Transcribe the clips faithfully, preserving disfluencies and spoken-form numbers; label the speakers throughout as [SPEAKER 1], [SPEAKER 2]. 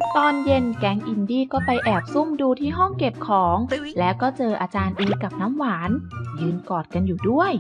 [SPEAKER 1] ตอนเย็นแก๊งอินดี้ก็ไปแอบซุ่มดูที่ห้องเก็บของ แล้วก็เจออาจารย์เอกับน้ำหวานยืนกอดกันอยู่ด้วย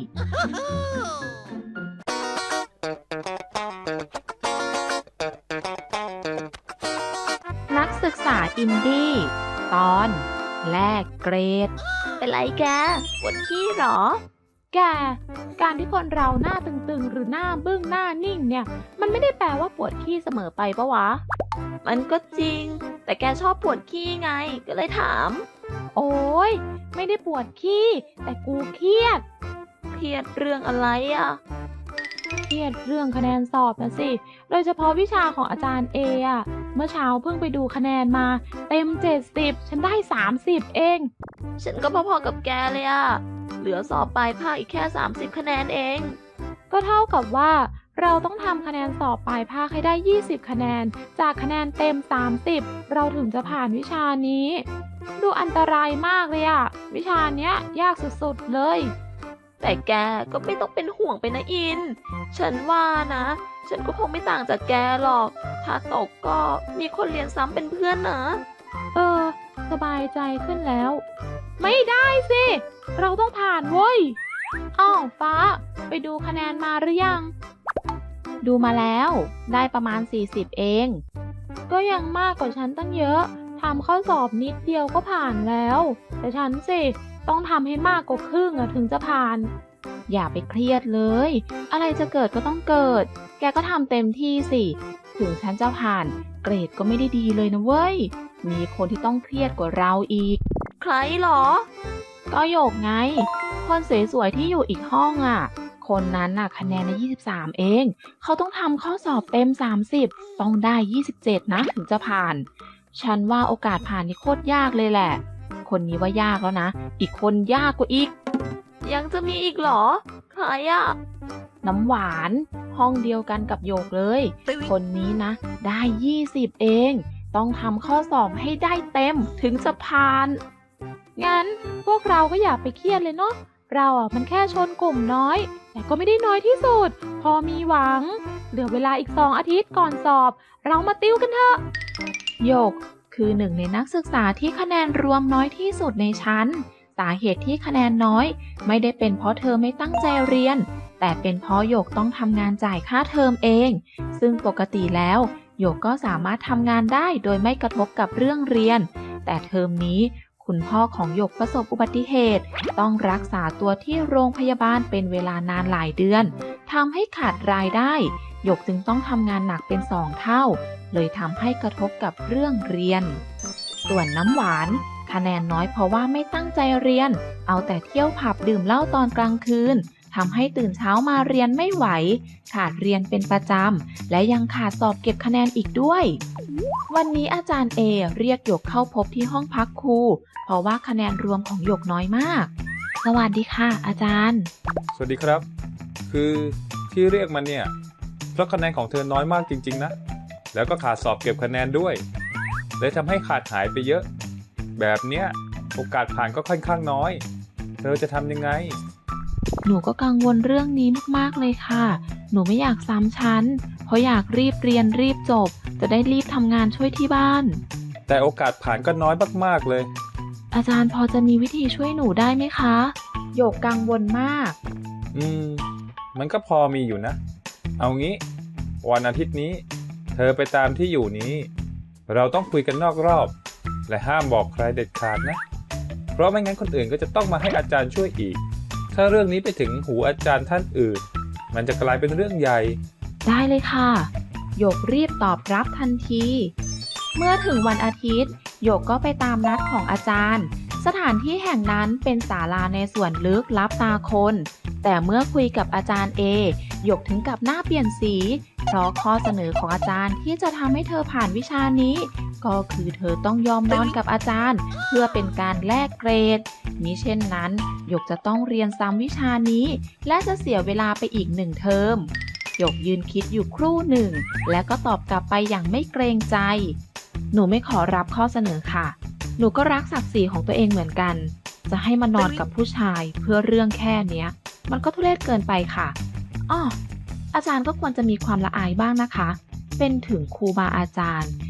[SPEAKER 1] นักศึกษาอินดี้ตอนแลกเกรดเป็นไรแกปวดขี้หรอแกการที่คนเราหน้าตึงๆหรือหน้าบึ้งหน้านิ่งเนี่ยมันไม่ได้แปลว่าปวดขี้เสมอไปปะวะมันก็จริงแต่แกชอบปวดขี้ไงก็เลยถามโอ้ยไม่ได้ปวดขี้แต่กูเครียดเครียดเรื่องอะไรอะเครียดเรื่องคะแนนสอบนะสิโดยเฉพาะวิชาของอาจารย์เออะเมื่อเช้าเพิ่งไปดูคะแนนมาเต็มเจ็ดสิบฉันได้สามสิบเองฉันก็พอๆกับแกเลยอะเหลือสอบปลายภาคอีกแค่สามสิบคะแนนเองก็เท่ากับว่าเราต้องทำคะแนนสอบปลายภาคให้ได้ยี่สิบคะแนนจากคะแนนเต็มสามสิบเราถึงจะผ่านวิชานี้ดูอันตรายมากเลยอะวิชาเนี้ยยากสุดๆเลยแต่แกก็ไม่ต้องเป็นห่วงไปนะอินฉันว่านะฉันก็คงไม่ต่างจากแกหรอกถ้าตกก็มีคนเรียนซ้ำเป็นเพื่อนนะเออสบายใจขึ้นแล้วไม่ได้สิเราต้องผ่านเว้ยอ้าวฟ้าไปดูคะแนนมาหรือยังดูมาแล้วได้ประมาณสี่สิบเองก็ยังมากกว่าฉันตั้งเยอะทำข้อสอบนิดเดียวก็ผ่านแล้วแต่ฉันสิต้องทำให้มากกว่าครึ่งถึงจะผ่านอย่าไปเครียดเลยอะไรจะเกิดก็ต้องเกิดแกก็ทำเต็มที่สิถึงฉันจะผ่านเกรดก็ไม่ได้ดีเลยนะเว้ยมีคนที่ต้องเครียดกว่าเราอีกใครหรอก็โยกไงคนสวยๆที่อยู่อีกห้องอ่ะคนนั้นน่ะคะแนนในยี่สิบสามเองเขาต้องทำข้อสอบเต็มสามสิบต้องได้ยี่สิบเจ็ดนะถึงจะผ่านฉันว่าโอกาสผ่านนี่โคตรยากเลยแหละคนนี้ว่ายากแล้วนะอีกคนยากกว่าอีกยังจะมีอีกเหรอใครอ่ะน้ำหวานห้องเดียวกันกับโยกเลยคนนี้นะได้ยี่สิบเองต้องทำข้อสอบให้ได้เต็มถึงจะผ่านงั้นพวกเราก็อย่าไปเครียดเลยเนาะเราอ่ะมันแค่ชนกลุ่มน้อยแต่ก็ไม่ได้น้อยที่สุดพอมีหวังเหลือเวลาอีกสองอาทิตย์ก่อนสอบเรามาติวกันเถอะโยกคือหนึ่งในนักศึกษาที่คะแนนรวมน้อยที่สุดในชั้นสาเหตุที่คะแนนน้อยไม่ได้เป็นเพราะเธอไม่ตั้งใจเรียนแต่เป็นเพราะโยกต้องทำงานจ่ายค่าเทอมเองซึ่งปกติแล้วโยกก็สามารถทำงานได้โดยไม่กระทบกับเรื่องเรียนแต่เทอมนี้คุณพ่อของโยกประสบอุบัติเหตุต้องรักษาตัวที่โรงพยาบาลเป็นเวลานานหลายเดือนทำให้ขาดรายได้โยกจึงต้องทำงานหนักเป็นสองเท่าเลยทำให้กระทบกับเรื่องเรียนส่วนน้ำหวานคะแนนน้อยเพราะว่าไม่ตั้งใจเรียนเอาแต่เที่ยวผับดื่มเหล้าตอนกลางคืนทำให้ตื่นเช้ามาเรียนไม่ไหวขาดเรียนเป็นประจำและยังขาดสอบเก็บคะแนนอีกด้วยวันนี้อาจารย์เอเรียกหยกเข้าพบที่ห้องพักครูเพราะว่าคะแนนรวมของหยกน้อยมากสวัสดีค่ะอาจารย์
[SPEAKER 2] สวัสดีครับคือที่เรียกมันเนี่ยเพราะคะแนนของเธอน้อยมากจริงๆนะแล้วก็ขาดสอบเก็บคะแนนด้วยเลยทำให้ขาดหายไปเยอะแบบเนี้ยโอกาสผ่านก็ค่อนข้างน้อยเธอจะทำยังไง
[SPEAKER 1] หนูก็กังวลเรื่องนี้มากๆเลยค่ะหนูไม่อยากซ้ำชั้นเพราะอยากรีบเรียนรีบจบจะได้รีบทำงานช่วยที่บ้าน
[SPEAKER 2] แต่โอกาสผ่านก็น้อยมากๆเลย
[SPEAKER 1] อาจารย์พอจะมีวิธีช่วยหนูได้ไหมคะโยกกังวลมาก
[SPEAKER 2] อืมมันก็พอมีอยู่นะเอางี้วันอาทิตย์นี้เธอไปตามที่อยู่นี้เราต้องคุยกันนอกรอบและห้ามบอกใครเด็ดขาดนะเพราะไม่งั้นคนอื่นก็จะต้องมาให้อาจารย์ช่วยอีกถ้าเรื่องนี้ไปถึงหูอาจารย์ท่านอื่นมันจะกลายเป็นเรื่องใหญ่
[SPEAKER 1] ได้เลยค่ะโยกรีบตอบรับทันทีเมื่อถึงวันอาทิตย์โยกก็ไปตามนัดของอาจารย์สถานที่แห่งนั้นเป็นศาลาในส่วนลึกลับตาคนแต่เมื่อคุยกับอาจารย์เอโยกถึงกับหน้าเปลี่ยนสีเพราะข้อเสนอของอาจารย์ที่จะทำให้เธอผ่านวิชานี้ก็คือเธอต้องยอมนอนกับอาจารย์เพื่อเป็นการแลกเกรดมิเช่นนั้นโยกจะต้องเรียนซ้ำวิชานี้และจะเสียเวลาไปอีกหนึ่งเทอมโยกยืนคิดอยู่ครู่หนึ่งและก็ตอบกลับไปอย่างไม่เกรงใจหนูไม่ขอรับข้อเสนอค่ะหนูก็รักศักดิ์ศรีของตัวเองเหมือนกันจะให้มานอนกับผู้ชายเพื่อเรื่องแค่เนี้ยมันก็ทุเรศเกินไปค่ะอ้ออาจารย์ก็ควรจะมีความละอายบ้างนะคะเป็นถึงครูบาอาจารย์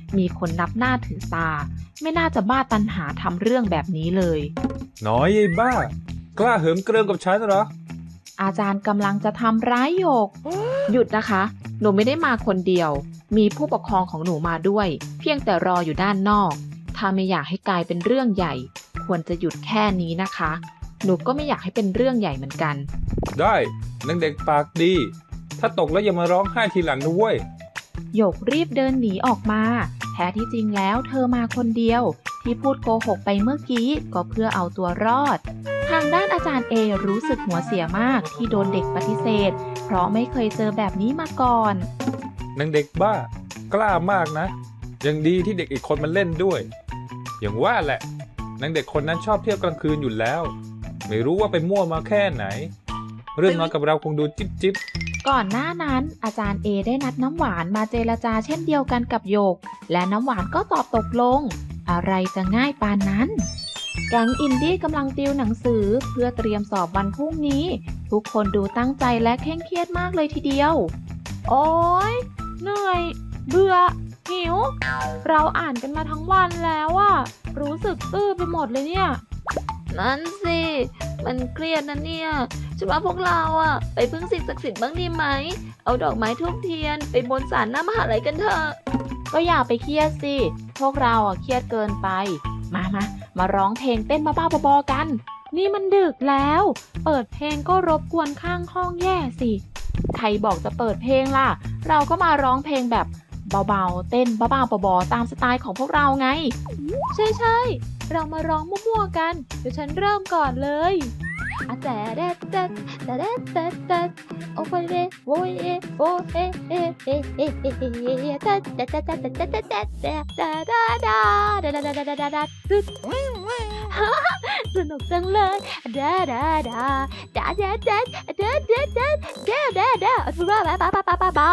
[SPEAKER 1] มีคนนับหน้าถือตา ไม่น่าจะบ้าตันหาทำเรื่องแบบนี้เลย
[SPEAKER 2] น้อยไอ้บ้ากล้าเหิมเกริมกับฉันเหรอ
[SPEAKER 1] อาจารย์กำลังจะทำร้ายหยก หยุดนะคะ หนูไม่ได้มาคนเดียว มีผู้ปกครองของหนูมาด้วย เพียงแต่รออยู่ด้านนอก ถ้าไม่อยากให้กลายเป็นเรื่องใหญ่ ควรจะหยุดแค่นี้นะคะ หนูก็ไม่อยากให้เป็นเรื่องใหญ่เหมือนกัน
[SPEAKER 2] ได้นางเด็กปากดี ถ้าตกแล้วอย่ามาร้องไห้ทีหลังนะเว้ย
[SPEAKER 1] หยกรีบเดินหนีออกมา แท้ที่จริงแล้วเธอมาคนเดียว ที่พูดโกหกไปเมื่อกี้ก็เพื่อเอาตัวรอด ทางด้านอาจารย์เอรู้สึกหัวเสียมากที่โดนเด็กปฏิเสธ เพราะไม่เคยเจอแบบนี้มาก่อน
[SPEAKER 2] นางเด็กบ้ากล้ามากนะ ยังดีที่เด็กอีกคนมันเล่นด้วย อย่างว่าแหละนางเด็กคนนั้นชอบเที่ยวกลางคืนอยู่แล้ว ไม่รู้ว่าไปมั่วมาแค่ไหน เรื่องน้อยกับเราคงดูจิ๊บจิ๊บ
[SPEAKER 1] ก่อนหน้านั้นอาจารย์เอได้นัดน้ำหวานมาเจรจาเช่นเดียวกันกับโยก และน้ำหวานก็ตอบตกลง อะไรจะง่ายปานนั้น แก๊งอินดี้กำลังติวหนังสือเพื่อเตรียมสอบวันพรุ่งนี้ ทุกคนดูตั้งใจและเคร่งเครียดมากเลยทีเดียว โอ๊ยเหนื่อย เบื่อ หิว เราอ่านกันมาทั้งวันแล้วอะรู้สึกตื้อไปหมดเลยเนี่ย นั่นสิ มันเครียดนะเนี่ยฉันว่าพวกเราอะไปพึ่งสิ่งศักดิ์สิทธิ์บ้างดีไหม เอาดอกไม้ทูบเทียนไปบนศาลหน้ามหาลัยกันเถอะ ก็อย่าไปเครียดสิ พวกเราอะเครียดเกินไป มามามาร้องเพลงเต้นบ้าๆบอๆกัน นี่มันดึกแล้ว เปิดเพลงก็รบกวนข้างห้องแย่สิ ใครบอกจะเปิดเพลงล่ะ เราก็มาร้องเพลงแบบเบาๆ เต้นบ้าๆบอๆตามสไตล์ของพวกเราไง ใช่ใช่ๆเรามาร้องมั่วๆกัน เดี๋ยวฉันเริ่มก่อนเลยอะแต่เด็ดเด็ดแต่เด็ดเด็ดเด็ดโอ้ยเด้โอ้ยเอโอ้เอเอเอเอเอเอเอแต่แต่แต่แต่แต่แต่แต่แต่แต่ดาดาดาดาดาดาดาดาดาตึ๊ดสนุกจังเลยดาดาดาดาดาดาดาดาดาดาดาดาบ้าบ้าบ้าบ้าบ้าบ้าบ้า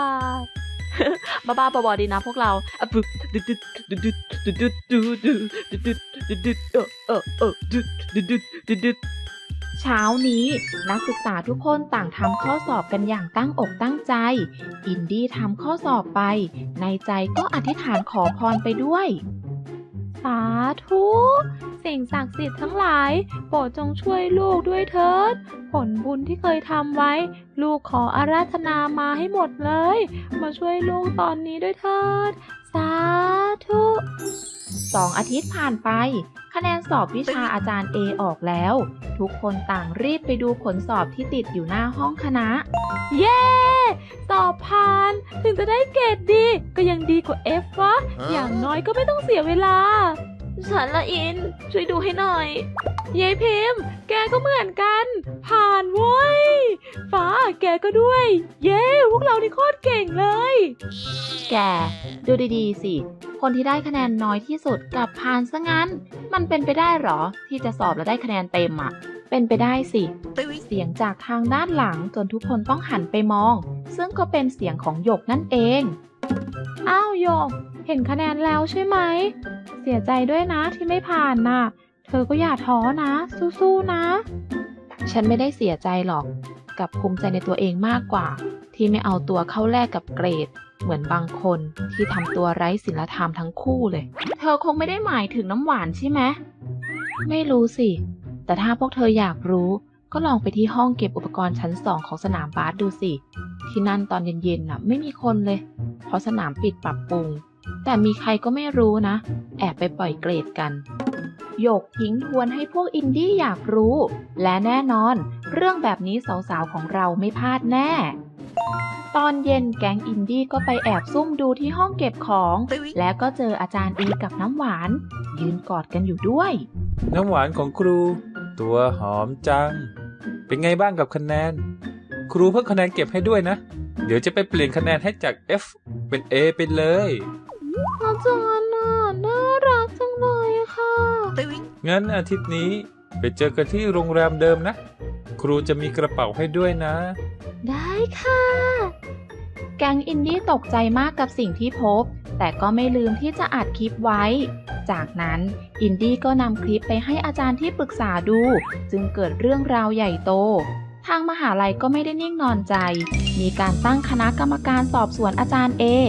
[SPEAKER 1] บ้าบอๆดีนะพวกเราอะปึ๊บดึดดึดดึดดึดดึดดึดดึดดึดดึดดึดดึดเออเออเออดึดดึดดึดดึดดึดเช้านี้นักศึกษาทุกคนต่างทำข้อสอบกันอย่างตั้งอกตั้งใจ อินดี้ทำข้อสอบไป ในใจก็อธิษฐานขอพรไปด้วย สาธุสิ่งศักดิ์สิทธิ์ทั้งหลายโปรดจงช่วยลูกด้วยเถิด ผลบุญที่เคยทำไว้ ลูกขออาราธนามาให้หมดเลย มาช่วยลูกตอนนี้ด้วยเถิด สาธุสองอาทิตย์ผ่านไป คะแนนสอบวิชาอาจารย์เอออกแล้ว ทุกคนต่างรีบไปดูผลสอบที่ติดอยู่หน้าห้องคณะ เย้ สอบผ่าน ถึงจะได้เกรดดี ก็ยังดีกว่า F วะ อย่างน้อยก็ไม่ต้องเสียเวลา ฉันละอิน ช่วยดูให้หน่อยเย้พิมพ์ แกก็เหมือนกัน ผ่านเว้ย ฟ้าแกก็ด้วย เย้พวกเรานี่โคตรเก่งเลย แก ดูดีๆสิ คนที่ได้คะแนนน้อยที่สุดกลับผ่านซะงั้น มันเป็นไปได้หรอ ที่จะสอบแล้วได้คะแนนเต็มอ่ะ เป็นไปได้สิ เสียงจากทางด้านหลังจนทุกคนต้องหันไปมอง ซึ่งก็เป็นเสียงของหยกนั่นเอง อ้าวหยก เห็นคะแนนแล้วใช่ไหม เสียใจด้วยนะที่ไม่ผ่านน่ะ เธอก็อย่าท้อนะ สู้ๆนะ ฉันไม่ได้เสียใจหรอก กับภูมิใจในตัวเองมากกว่า ที่ไม่เอาตัวเข้าแลกกับเกรด เหมือนบางคนที่ทำตัวไร้ศีลธรรมทั้งคู่เลย เธอคงไม่ได้หมายถึงน้ำหวานใช่ไหม ไม่รู้สิ แต่ถ้าพวกเธออยากรู้ ก็ลองไปที่ห้องเก็บอุปกรณ์ชั้นสองของสนามบาสดูสิ ที่นั่นตอนเย็นๆน่ะไม่มีคนเลย เพราะสนามปิดปรับปรุง แต่มีใครก็ไม่รู้นะ แอบไปปล่อยเกรดกันหยกทิ้งทวนให้พวกอินดี้อยากรู้ และแน่นอน เรื่องแบบนี้สาวๆของเราไม่พลาดแน่ ตอนเย็นแก๊งอินดี้ก็ไปแอบซุ่มดูที่ห้องเก็บของ และก็เจออาจารย์อีกับน้ำหวาน ยืนกอดกันอยู่ด้วย
[SPEAKER 2] น้ำหวานของครู ตัวหอมจัง เป็นไงบ้างกับคะแนน ครูเพิ่งคะแนนเก็บให้ด้วยนะ เดี๋ยวจะไปเปลี่ยนคะแนนให้จาก F เป็น A ไปเลย
[SPEAKER 1] อาจารย์น่ะน่ารักจังเลยค่ะ
[SPEAKER 2] งั้นอาทิตย์นี้ไปเจอกันที่โรงแรมเดิมนะ ครูจะมีกระเป๋าให้ด้วยนะ
[SPEAKER 1] ได้ค่ะ แก๊งอินดี้ตกใจมากกับสิ่งที่พบ แต่ก็ไม่ลืมที่จะอัดคลิปไว้ จากนั้นอินดี้ก็นำคลิปไปให้อาจารย์ที่ปรึกษาดู จึงเกิดเรื่องราวใหญ่โต ทางมหาลัยก็ไม่ได้นิ่งนอนใจ มีการตั้งคณะกรรมการสอบสวนอาจารย์เอ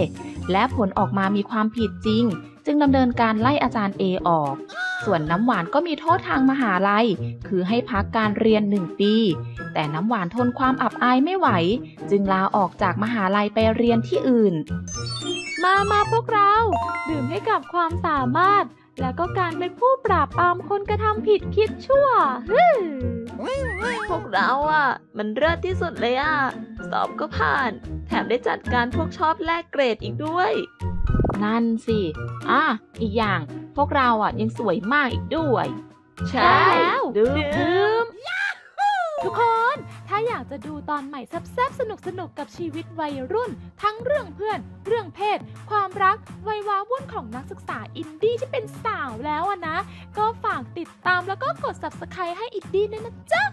[SPEAKER 1] และผลออกมามีความผิดจริง จึงดำเนินการไล่อาจารย์เอออก ส่วนน้ำหวานก็มีโทษทางมหาลัย คือให้พักการเรียนหนึ่งปี แต่น้ำหวานทนความอับอายไม่ไหว จึงลาออกจากมหาลัยไปเรียนที่อื่น
[SPEAKER 3] มามาพวกเราดื่มให้กับความสามารถ และก็การเป็นผู้ปราบปรามคนกระทำผิดคิดชั่วฮึ่ม
[SPEAKER 4] พวกเราอ่ะ มันเลิศที่สุดเลยอ่ะ สอบก็ผ่าน แถมได้จัดการพวกชอบแลกเกรดอีกด้วย
[SPEAKER 1] นั่นสิอ่ะอีกอย่างพวกเราอ่ะยังสวยมากอีกด้วย
[SPEAKER 4] ใช่
[SPEAKER 3] แล้ว
[SPEAKER 4] ดื่ม
[SPEAKER 3] ดื่มทุกคนถ้าอยากจะดูตอนใหม่แซ่บๆสนุกๆกับชีวิตวัยรุ่น ทั้งเรื่องเพื่อน เรื่องเพศ ความรัก วัยว้าวุ่นของนักศึกษาอินดี้ที่เป็นสาวแล้วอะนะ ก็ฝากติดตามแล้วก็กด ซับสไครบ์ ให้อินดี้ด้วยนะจ๊ะ